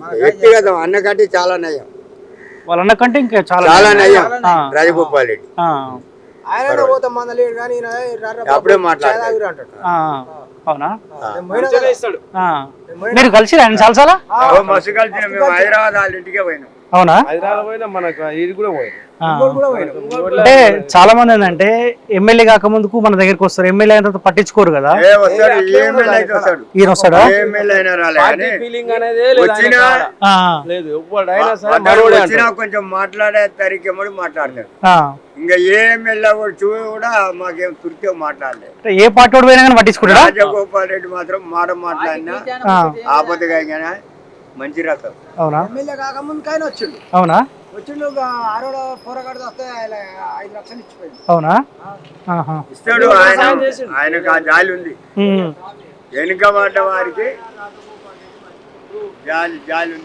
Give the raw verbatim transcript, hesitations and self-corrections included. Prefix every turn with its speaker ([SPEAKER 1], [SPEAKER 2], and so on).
[SPEAKER 1] వ్యక్తిగతం అన్నకంటే చాలా నయం,
[SPEAKER 2] వాళ్ళ అన్నకంటే ఇంకా చాలా
[SPEAKER 1] చాలా నయం రాజగోపాల్ రెడ్డి. అప్పుడే మాట్లాడారు.
[SPEAKER 2] అవునా? మీరు కలిసి ఆయన చాలా చాలా
[SPEAKER 1] మస్తు కలిసి మేము హైదరాబాద్ వాళ్ళ ఇంటికే పోయినాం.
[SPEAKER 2] అవునా? అంటే చాలా మంది ఏంటంటే ఎమ్మెల్యే కాక ముందుకు మన దగ్గరికి వస్తారు, ఎమ్మెల్యే అయిన తర్వాత పట్టించుకోరు కదా. ఈయన వస్తాడా?
[SPEAKER 1] కొంచెం మాట్లాడే తరికెమ్మడి మాట్లాడతాడు. ఇంకా ఏ ఎమ్మెల్యే కూడా మాకేం తుర్కే మాట్లాడలేదు.
[SPEAKER 2] ఏ పార్టీ వాడు పోయినా కానీ పట్టించుకుంటాడా?
[SPEAKER 1] రాజగోపాల్ రెడ్డి మాత్రం మాట మాట్లాడినా ఆపదగా మంచి రకం.
[SPEAKER 2] అవునా?
[SPEAKER 3] ఎమ్మెల్యే కాకముందుకైనా వచ్చిండు.
[SPEAKER 2] అవునా?
[SPEAKER 3] వచ్చిండు ఆరోడ పోరగాడు వస్తే ఐదు లక్షలు ఇచ్చిపోయింది.
[SPEAKER 2] అవునా?
[SPEAKER 1] ఇస్తాడు ఆయన, ఆయనకు ఆ జాలి ఉంది. వెనుక పడ్డ వారికి జాలి జాలి ఉంది.